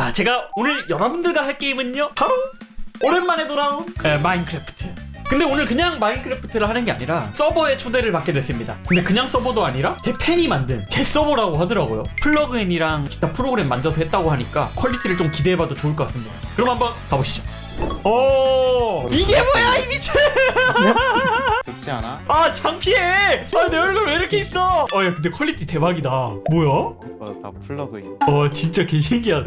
자, 제가 오늘 여러분들과 할 게임은요, 바로 오랜만에 돌아온 마인크래프트. 근데 오늘 그냥 마인크래프트를 하는 게 아니라 서버에 초대를 받게 됐습니다. 근데 그냥 서버도 아니라 제 팬이 만든 제 서버라고 하더라고요. 플러그인이랑 기타 프로그램 만져서 했다고 하니까 퀄리티를 좀 기대해봐도 좋을 것 같습니다. 그럼 한번 가보시죠. 오, 이게 뭐야 이 미친. 좋지 않아? 아, 창피해. 아, 내 얼굴 왜 이렇게 있어. 야, 근데 퀄리티 대박이다. 뭐야? 다 플러그인. 진짜 개신기하다.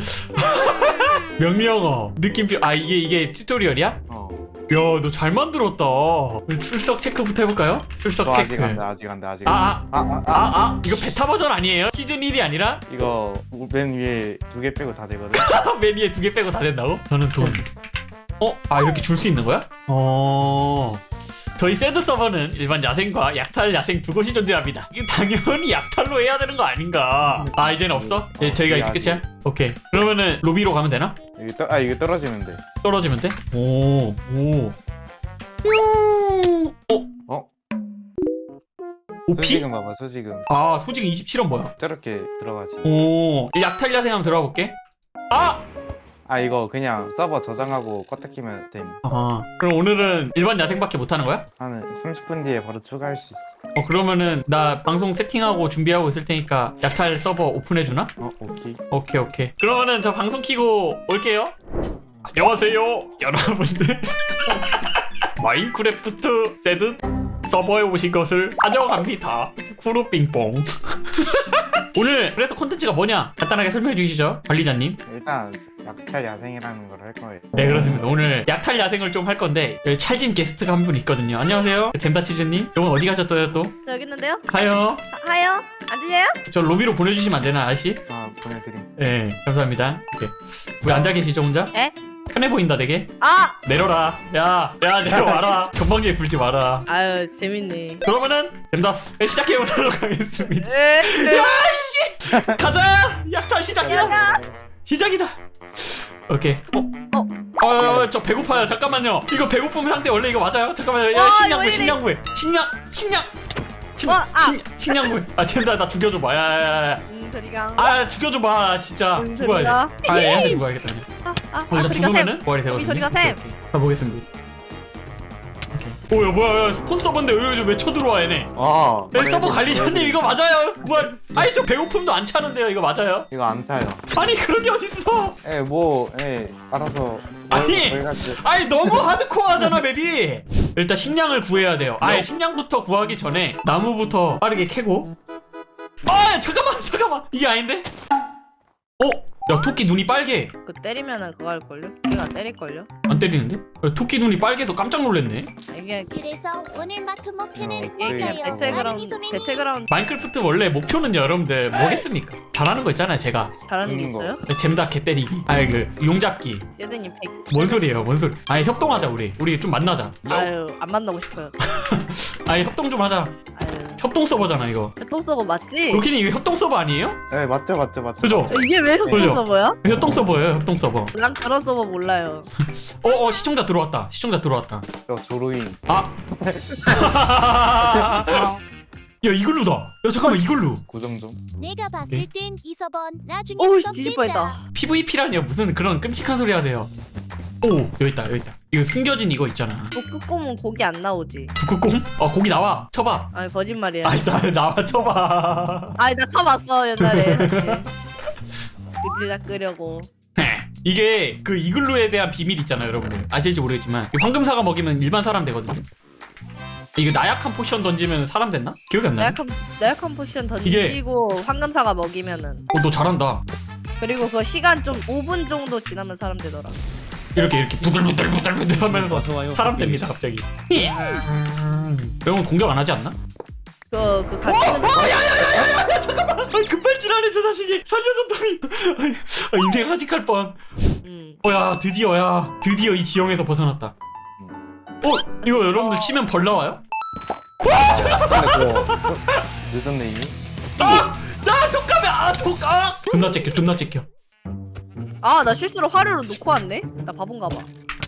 명령어 느낌표. 아, 이게 튜토리얼이야? 야, 너 잘 만들었다. 출석 체크부터 해볼까요? 출석 체크. 아직 안 돼. 이거 베타 버전 아니에요? 시즌 1이 아니라? 이거 맨 위에 2개 빼고 다 되거든. 맨 위에 2개 빼고 다 된다고? 저는 돈. 이렇게 줄 수 있는 거야? 저희 새드 서버는 일반 야생과 약탈 야생 두 곳이 존재합니다. 이거 당연히 약탈로 해야 되는 거 아닌가? 이제는 없어? 저희가 이제 끝이야? 오케이. 그러면은 로비로 가면 되나? 이게 떨어지면 돼. 떨어지면 돼? 오. 오피? 소지금 봐봐, 소지금. 소지금 27원 뭐야? 저렇게 들어가지. 약탈 야생 한번 들어가 볼게. 이거 그냥 서버 저장하고 껐다 키면 됨. 그럼 오늘은 일반 야생밖에 못 하는 거야? 한 30분 뒤에 바로 추가할 수 있어. 그러면은 나 방송 세팅하고 준비하고 있을 테니까 약탈 서버 오픈해주나? 오케이. 오케이. 그러면은 저 방송 키고 올게요. 안녕하세요 여러분들. 마인크래프트 새드 서버에 오신 것을 환영합니다. 쿠루빙뽕. 오늘 그래서 콘텐츠가 뭐냐 간단하게 설명해 주시죠, 관리자님. 일단 약탈 야생이라는 걸 할 거예요. 네, 그렇습니다. 오늘 약탈 야생을 좀 할 건데 여기 찰진 게스트가 한 분 있거든요. 안녕하세요, 잼다치즈님. 이건 어디 가셨어요 또? 저 여기 있는데요? 하요. 하요? 안 들려요? 저 로비로 보내주시면 안 되나, 아저씨? 보내드림. 네, 감사합니다. 오케이. 왜 앉아 계시죠 혼자? 에? 편해 보인다 되게. 내려라. 야 내려와라. 건방지게 굴지 마라. 아유 재밌네. 그러면은 잼다스 시작해보도록 하겠습니다. 에? 야이씨, 가자. 약탈 시작이다. 오케이. 저 배고파요. 잠깐만요. 이거 배고픔 상태 원래 이거 맞아요? 잠깐만요. 식량 구해. 식량 구해. 잼다 나 죽여줘봐. 야야야. 소리가. 죽여줘봐. 진짜 죽어야 돼. 얘한테 죽어야겠다. 일단 죽으면은 부활이 되거든요. 소리가 샘. 가보겠습니다. 뭐야 스폰서인데 왜 쳐들어와 얘네. 서버 관리자님 이거 맞아요? 부활. 저 배고픔도 안 차는데요. 이거 맞아요? 이거 안 차요. 그런 게 어딨어. 알아서. 너무 하드코어하잖아 맵이. 일단 식량을 구해야 돼요. 식량부터 구하기 전에 나무부터 빠르게 캐고. 잠깐만 이게 아닌데? 야, 토끼 눈이 빨개. 그 때리면은 그거 할걸요? 걔가 때릴걸요? 안 때리는데? 야, 토끼 눈이 빨개서 깜짝 놀랐네. 이게 그래서 오늘 마크 목표는 이게 뭘까요? 배틀그라운드 마인크래프트 원래 목표는요 여러분들 뭐겠습니까? 잘하는 거 있잖아요. 제가 잘하는 게 있어요? 잼다 개 때리기. 용잡기. 세드님 100. 뭔 소리예요? 협동하자. 우리 좀 만나자. 아유 안 만나고 싶어요. 협동 좀 하자. 협동 서버잖아 이거. 협동 서버 맞지? 로키님 이거 협동 서버 아니에요? 네, 맞죠. 그죠? 이게 왜 협동 그죠? 서버야? 협동 서버예요. 협동 서버. 난 그런 서버 몰라요. 시청자 들어왔다. 저 조로인. 야, 이글루다. 야, 잠깐만, 이글루. 고정 좀. 내가 봤을 땐 이 서번 나중에 오우 썸 뒤질 뛴다. 뻔했다. PVP라니요. 무슨 그런 끔찍한 소리 하세요. 여기 있다. 이거 숨겨진 이거 있잖아. 북극곰은 고기 안 나오지. 북극곰? 고기 나와. 쳐봐. 아니 거짓말이야. 나와 쳐봐. 나 쳐봤어 옛날에. 그들다 끄려고. 이게 그 이글루에 대한 비밀 있잖아요, 여러분들. 아실지 모르겠지만 이 황금사가 먹이면 일반 사람 되거든요. 이거 나약한 포션 던지면 사람 됐나? 기억이 안 나네. 나약한 포션 던지고 황금사가 먹이면은. 너 잘한다. 그리고 그 시간 좀 5분 정도 지나면 사람 되더라. 이렇게 부들부들 하면서 사람 됩니다 갑자기. 여러분 공격 안 하지 않나? 그 같은. 잠깐만. 급발진하네 저 자식이. 살려줬더니. 인생 하직할 뻔. 야 드디어 이 지형에서 벗어났다. 이거 여러분들 치면 벌 나와요? 늦었네 이미. 나 독감이야. 존나 찍혀. 나 실수로 화류를 놓고 왔네? 나 바본가 봐.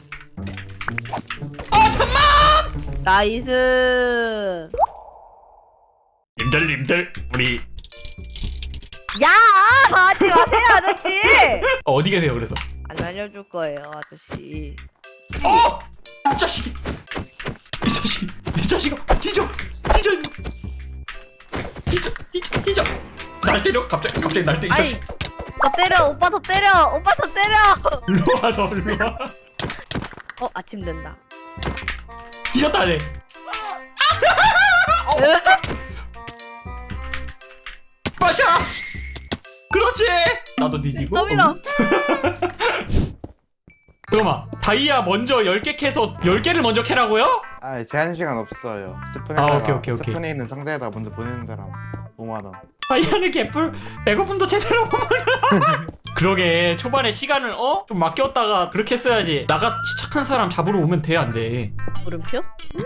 잠만. 나이스. 님들 우리 야! 하지 마세요 아저씨. 어디 계세요 그래서? 안 알려줄 거예요 아저씨. 이 자식이 이 자식아 뒤져 뒤져 날 때려 갑자기 날 때려 이 아이, 자식. 더 때려. 오빠 더 때려. 오빠 더 때려. 일로와 너 일로와. 아침 된다. 뒤졌다 내. 마셔. 그렇지. 나도 뒤지고. 떠밀어. 잠깐만 다이아 먼저 10개 캐서 10개를 먼저 캐라고요? 아 제한 시간 없어요. 아, 스푼에다가 오케이. 스푼에 있는 상자에다 먼저 보내는 사람 5만 원. 다이아는 개뿔 배고픔도 제대로 못 먹어. 그러게 초반에 시간을 좀 맡겼다가 그렇게 써야지. 나같이 착한 사람 잡으러 오면 돼 안 돼? 물음표?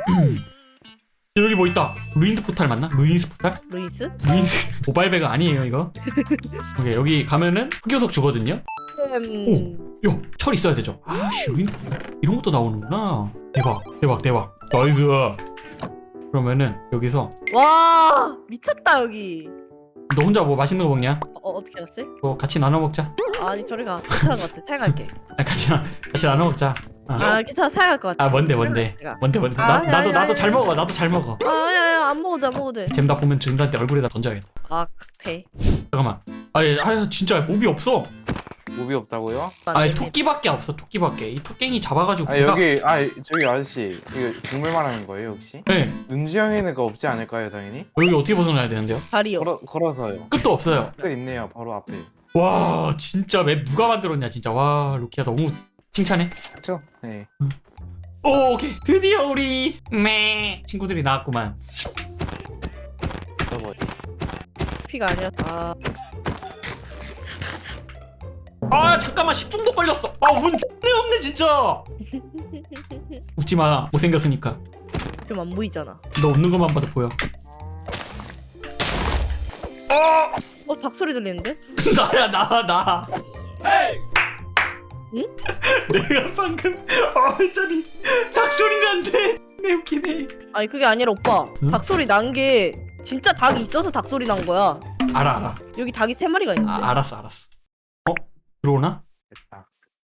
여기 뭐 있다. 루인드 포탈 맞나? 루인스 포탈? 루이스? 루인스 모바일 배가 아니에요 이거. 오케이 여기 가면은 흑요석 주거든요. 야, 철 있어야 되죠. 아씨, 루인 이런 것도 나오는구나. 대박. 나이스. 그러면은 여기서 와 미쳤다 여기. 너 혼자 뭐 맛있는 거 먹냐? 어떻게 알았어? 뭐 같이 나눠 먹자. 아니 저리 가. 괜찮은 것 같아. 사양할게. 아, 같이 나눠 먹자. 괜찮아. 사양할 것 같아. 아 뭔데? 나도 잘 먹어. 나도 잘 먹어. 야야야 안 먹어도 돼. 잼다 보면 준다한테 얼굴에다 던져야겠다. 돼. 잠깐만. 아니 진짜 몹이 없어. 몹이 없다고요? 아니 토끼밖에 없어. 토끼밖에. 이 토깽이 잡아가지고. 아 여기 저기 아저씨 이거 동물 말하는 거예요 혹시? 네. 눈지형에는 거 없지 않을까요 당연히? 여기 어떻게 벗어나야 되는데요? 다리요. 걸어서요. 끝도 없어요. 끝 있네요 바로 앞에. 와 진짜 맵 누가 만들었냐 진짜. 와 루키야 너무 칭찬해. 그쵸? 네. 오케이 드디어 우리 친구들이 나왔구만. 저거 피가 아니야. 잠깐만 식중독 걸렸어. 운 X네 없네 진짜. 웃지마 못생겼으니까. 좀 안 보이잖아. 너 웃는 것만 봐도 보여. 닭소리 들리는데? 나야 나. 응? 내가 방금 했더니 닭소리 난대. 내 웃기네. 아니 그게 아니라 오빠. 응? 닭소리 난 게 진짜 닭이 있어서 닭소리 난 거야. 알아. 여기 닭이 3마리가 있는데. 알았어. 들어오나? 됐다.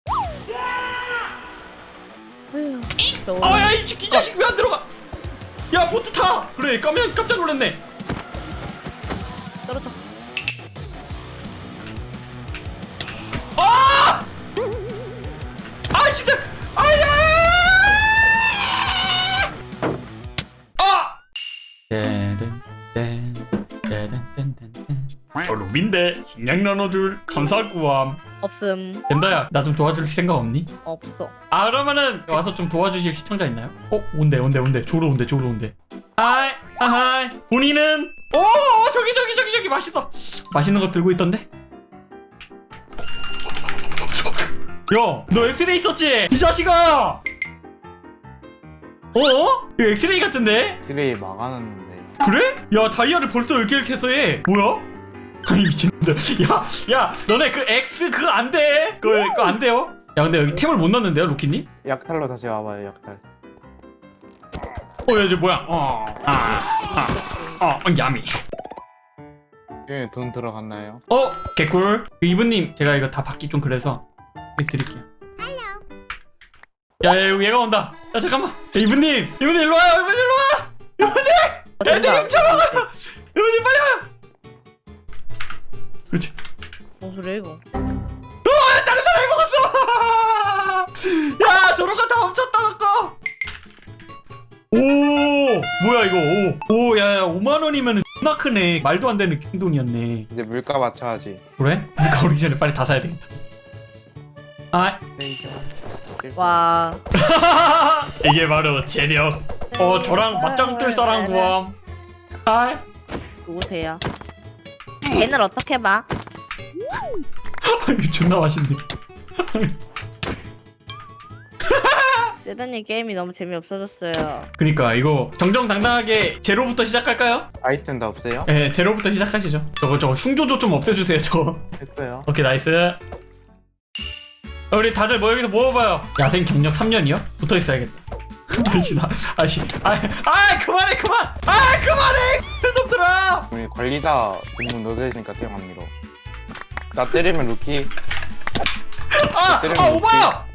아휴, 야 이 자식 왜 안 들어가? 야 보트 타. 그래 깜짝 놀랐네. 떨어져. 진짜. 루빈데 식량 나눠줄 천사구함. 없음. 덴다야 나 좀 도와줄 생각 없니? 없어. 그러면은 와서 좀 도와주실 시청자 있나요? 온대 조로 온대. 하이 본인은 저기 맛있는 거 들고 있던데? 야 너 엑스레이 썼지? 이 자식아. 이거 엑스레이 같은데? 쓰레기 막아놨는데. 그래? 야 다이아를 벌써 10개를 캐서 해. 뭐야? 아니 미친놈들. 야 너네 그 X 그거 안돼. 그거 안 돼요. 야 근데 여기 템을 못 넣는데요 루키님? 약탈로 다시 와봐요 약탈. 야 이제 뭐야? 야미. 여기 돈 들어갔나요? 개꿀. 이분님 제가 이거 다 받기 좀 그래서 드릴게요. 야 여기 얘가 온다. 야 잠깐만. 이분님 일로 와요. 이분님 애들 훔쳐먹어. 이분님 빨리 와요. 그렇지. 그래 이거. 다른 사람이 먹었어. 야 저런 거 다 훔쳤다 너거. 뭐야 이거. 야 5만 원이면은 존나 크네. 말도 안 되는 킹돈이었네. 이제 물가 맞춰야지. 그래? 그러니까 오기 전에 빨리 다 사야 되겠다. 와. 이게 바로 재력. 저랑 맞짱 뜰 사람 구함. 누구세요? 걔는 어떻게 봐? 존나 맛있네. 세드님 게임이 너무 재미없어졌어요. 그니까 이거 정정당당하게 제로부터 시작할까요? 아이템 다 없어요? 네 제로부터 시작하시죠. 저거 흉조조 좀 없애주세요 저거. 했어요. 오케이 나이스. 우리 다들 여기서 모여봐요. 야생 경력 3년이요? 붙어있어야겠다. 그만해 놈들아. 우리 관리자 분문 넣어져 있으니까 태형 안 밀어. 나 때리면 루키. 오바야.